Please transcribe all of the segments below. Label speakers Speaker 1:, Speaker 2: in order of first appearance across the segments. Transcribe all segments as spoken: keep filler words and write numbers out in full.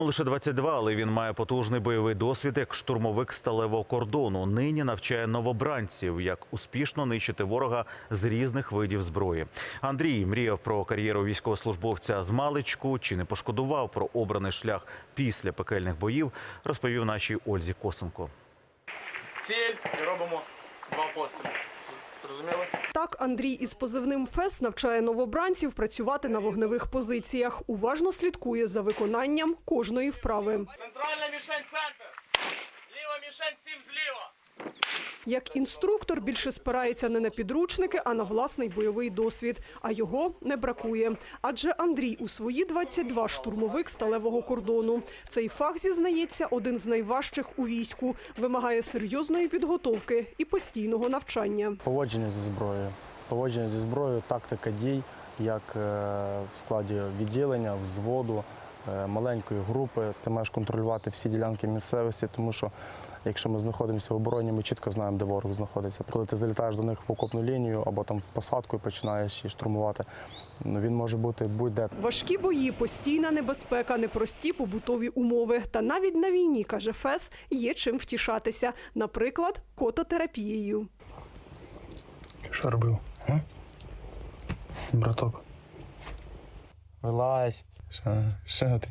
Speaker 1: Лише двадцять два, але він має потужний бойовий досвід як штурмовик сталевого кордону. Нині навчає новобранців, як успішно нищити ворога з різних видів зброї. Андрій мріяв про кар'єру військовослужбовця з маличку. Чи не пошкодував про обраний шлях після пекельних боїв, розповів нашій Ользі Косенко.
Speaker 2: Ціль і робимо два постріли. Зрозуміли?
Speaker 3: Так Андрій із позивним «Фес» навчає новобранців працювати на вогневих позиціях. Уважно слідкує за виконанням кожної вправи.
Speaker 2: Центральна мішень – центр. Ліва мішень – сім зліва.
Speaker 3: Як інструктор більше спирається не на підручники, а на власний бойовий досвід. А його не бракує. Адже Андрій у свої двадцять два штурмовик сталевого кордону. Цей фах, зізнається, один з найважчих у війську. Вимагає серйозної підготовки і постійного навчання.
Speaker 4: Поводження зі зброєю. Поводження зі зброєю, тактика дій, як в складі відділення, взводу, маленької групи. Ти маєш контролювати всі ділянки місцевості, тому що якщо ми знаходимося в обороні, ми чітко знаємо, де ворог знаходиться. Коли ти залітаєш до них в окопну лінію або там в посадку і починаєш її штурмувати, він може бути будь-де.
Speaker 3: Важкі бої, постійна небезпека, непрості побутові умови. Та навіть на війні, каже «Фес», є чим втішатися. Наприклад, кототерапією.
Speaker 4: Що робив? А? Браток. Вилазь. Що? Що ти?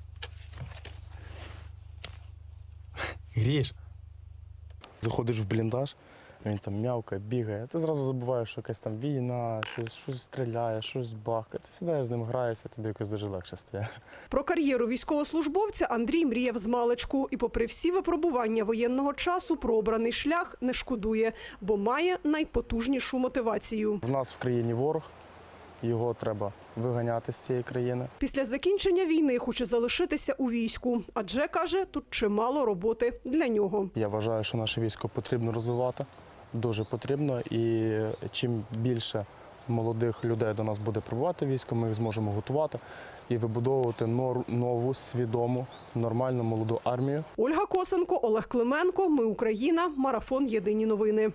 Speaker 4: Грієш? Заходиш в бліндаж, він там м'явкає, бігає. Ти зразу забуваєш, що якась там війна, щось, щось стріляє, щось бахкає. Ти сідаєш з ним, граєшся, тобі якось дуже легше стає.
Speaker 3: Про кар'єру військовослужбовця Андрій мріяв з маличку. І попри всі випробування воєнного часу, про обраний шлях не шкодує, бо має найпотужнішу мотивацію.
Speaker 4: В нас в країні ворог, його треба виганяти з цієї країни.
Speaker 3: Після закінчення війни хоче залишитися у війську, адже, каже, тут чимало роботи для нього.
Speaker 4: Я вважаю, що наше військо потрібно розвивати, дуже потрібно. І чим більше молодих людей до нас буде прибувати в військо, ми їх зможемо готувати і вибудовувати нову, свідому, нормальну молоду армію.
Speaker 3: Ольга Косенко, Олег Клименко. Ми Україна. Марафон. Єдині новини.